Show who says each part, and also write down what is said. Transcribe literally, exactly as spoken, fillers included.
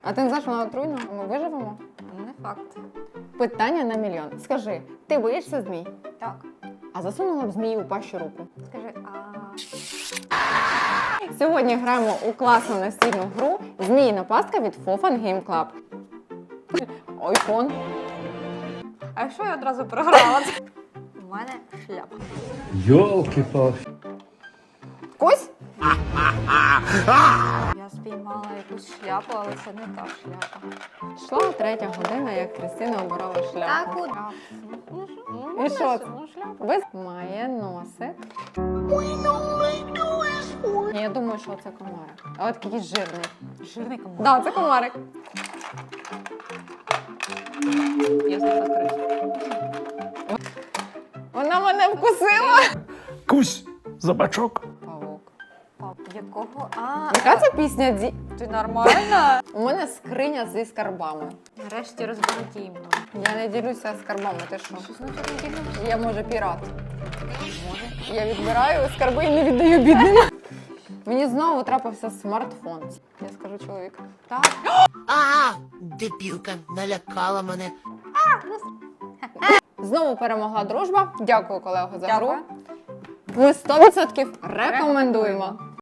Speaker 1: А ти не знаєш, вона отруйна? Ми виживемо?
Speaker 2: Не факт.
Speaker 1: Питання на мільйон. Скажи, ти боїшся змій?
Speaker 2: Так.
Speaker 1: А засунула б змії у пащу руку?
Speaker 2: Скажи, а
Speaker 1: Сьогодні граємо у класну настільну гру «Зміїна пастка» від Fofun Game Club. Ойфон.
Speaker 2: А якщо я одразу програла? У мене шляпа.
Speaker 3: Йолки-палки.
Speaker 1: Кось?
Speaker 2: Я спіймала якусь шляпу, але це не та шляпа.
Speaker 1: Йшла третя година, як Кристина обирала шляпу.
Speaker 2: куди?
Speaker 1: І що це?
Speaker 2: Ну, шляпа.
Speaker 1: Без має носик. Я думаю, що це комарик. А от якийсь жирний.
Speaker 2: Жирний комар.
Speaker 1: Так, да, це комарик.
Speaker 2: Я знайшла крису.
Speaker 1: Вона мене вкусила.
Speaker 3: Кусь за бачок.
Speaker 1: Павук.
Speaker 2: Пап, якого? А,
Speaker 1: Яка це пісня? Ді...
Speaker 2: ти нормальна?
Speaker 1: У мене скриня зі скарбами.
Speaker 2: Нарешті розбагатіємо.
Speaker 1: Я не ділюся скарбами, ти що?
Speaker 2: Що значить не ділимося?
Speaker 1: Я, може, пірат. Може. Я відбираю скарби і не віддаю бідним. Мені знову трапився смартфон. Я скажу чоловіку.
Speaker 2: Так.
Speaker 4: А, дебілка, налякала мене.
Speaker 1: Знову перемогла дружба. Дякую, колего, за
Speaker 2: Дякую.
Speaker 1: гру. Ми сто відсотків рекомендуємо.